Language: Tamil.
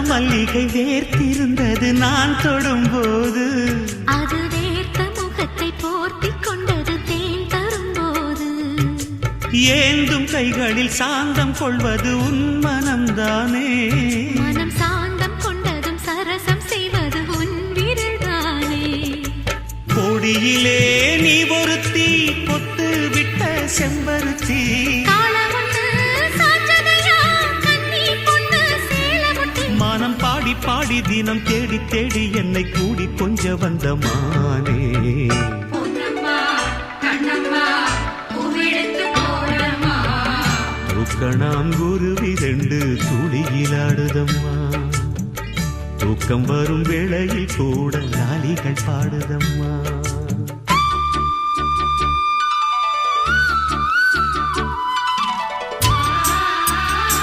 மல்லிகை வேர்த்திருந்தது நான் தொடும்போது, அது வேர்த்த முகத்தை போர்த்திக் கொண்டது தேன் தரும்போது. ஏந்தும் கைகளில் சாந்தம் கொள்வது உன் மனம்தானே, மனம் சாந்தம் கொண்டதும் சரசம் செய்வது உன் விரல்தானே. கொடியிலே நீ ஒருத்தி பொத்து விட்ட செம்பருத்தி, மானம் பாடி பாடி தினம் தேடி தேடி என்னை கூடி கொஞ்ச வந்த மானே. தூக்கணாம் குருவி 2 துளியிலாடுதம்மா, தூக்கம் வரும் வேளையில் கூட லாலிகள் பாடுதம்மா.